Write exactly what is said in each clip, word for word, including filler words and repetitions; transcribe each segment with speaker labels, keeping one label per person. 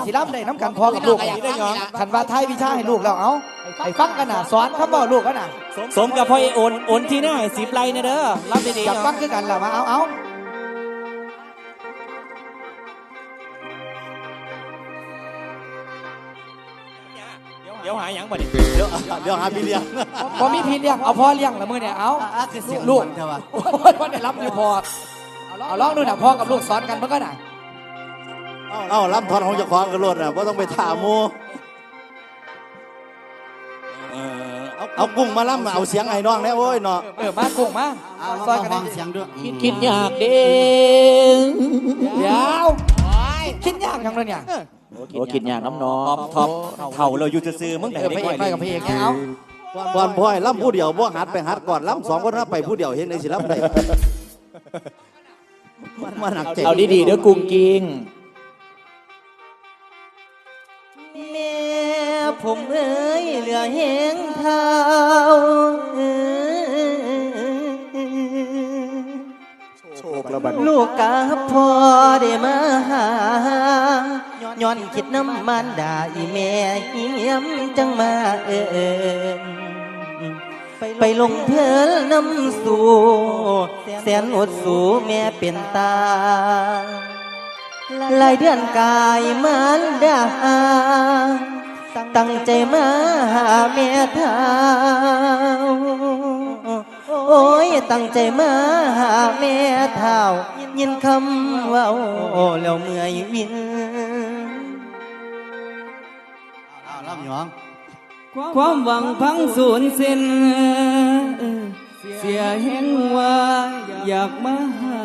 Speaker 1: สิล้ำได้น้ำกันพอกับลูกขันว่าไทยวิชาให้ลูกแล้วเอาไอ้ฟังกันน่ะสอนคำบอกลูกกันน่ะ
Speaker 2: สมกับพ่อไอ้โอนโอนที่หน้าสิบไรนะเด้อรับดีๆ
Speaker 1: จับฟังคือกันล่ะมาเอาเอา
Speaker 2: เดี๋ยวหาหยังบ่ดิ
Speaker 3: เดี๋ยวเดี๋ยวหาพี่เลี้ยง
Speaker 1: พอมีพี่เลี้ยงเอาพ่อเลี้ยงละมือเนี่ยเอาลูกโอ้ยพ่อได้รับอยู่พอเอาลองดูน่ะพ่อกับลูกสอนกันเมื่อกี้น่ะ
Speaker 3: เอ้ารับทอนของเจ้าของกันรถน่ะเพราะต้องไปถามมูเอากุ้งมาล่ำเอาเสียงไอ้น้องเนี่ยโอ้ยเนาะ
Speaker 1: เออมากุ้งมาซอยกันได้
Speaker 3: เสียงด้วย
Speaker 2: คิดคิดยากเด้
Speaker 1: เดี๋ยวคิดยากจังเลยเนี่ย
Speaker 2: โอ้คิดยากน้ำน้องท็อปเท่าเราอยู่ซื่อมึงแต่
Speaker 1: เออพระเอกไปกับพระเอกเนี่ยเอา
Speaker 3: ก่อนพ่อยล่ำผู้เดียวบ่หัดไปหัดก่อนล่ำสองคนไปผู้เดียวเห็นในศิลป์ได้มันหนักเจ็บ
Speaker 2: เอาดีๆเด้อกุ้งกิ้ง
Speaker 4: แม่ผมเอ้ยเหลือแหงเท้าลูกกับพ่อได้มาหาย้อนคิดน้ำมันด่าอีแม่เหี้ยมจังมาเอิญไปลงเพลินน้ำสู่แสนอดสู่แม่เป็นตาหลายเดือนกายมันดาตั้งใจมาหาแม่เท้าโอ้ยตั้งใจมาหาแม่เท้ายินคำว่าโอ้แล้วเมื่อยวิน
Speaker 3: อ้าวล่ำหยอง
Speaker 4: ความหวังพังสูญสิ้นเสียเห็นว่าอยากมาหา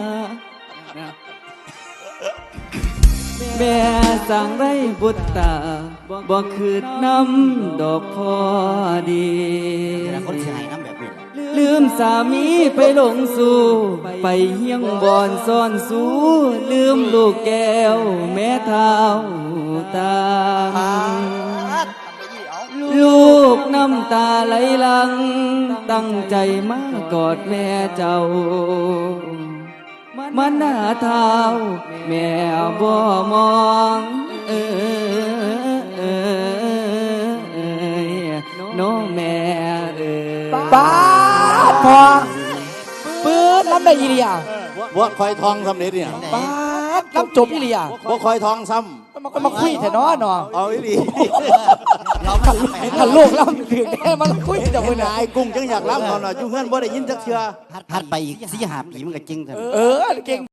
Speaker 4: แม่สั่งไรบุตรตาบ่คืดน้ำดอกพอดี
Speaker 3: คนเสียหายน้ำแบบนี้
Speaker 4: ลืมสามีไปหลงสู่ไปเฮียงบอนซ่อนสู้ลืมลูกแก้วแม่เท้าตาลูกน้ำตาไหลหลังตั้งใจมากอดแม่เจ้ามันหน้าเท้าแม่บ่มองเออเออน้องแม่เออ
Speaker 1: ป้าพอปื๊ดล้ำได้ยี่เดีย
Speaker 3: บ่คอยทองซ้ำเด็ดเนี่ย
Speaker 1: ป้าล้ำจบยี่เดีย
Speaker 3: บ่คอยทองซ้ำ
Speaker 1: มันก็มาคุยแต่น้อหนอ
Speaker 3: เอาอีหลี
Speaker 1: เราขันลูกล้ำถึงแน่มันคุยแต่เมื่อไหร่
Speaker 3: ไอ้กุ้งจังอยากล้ำตอนน่ะจุ่เพื่อนบ่ได้ยินจักเชื่อ
Speaker 5: หัดไปอีกสี่ห้าปีมันก็จริงเถอะ
Speaker 1: เออเก่ง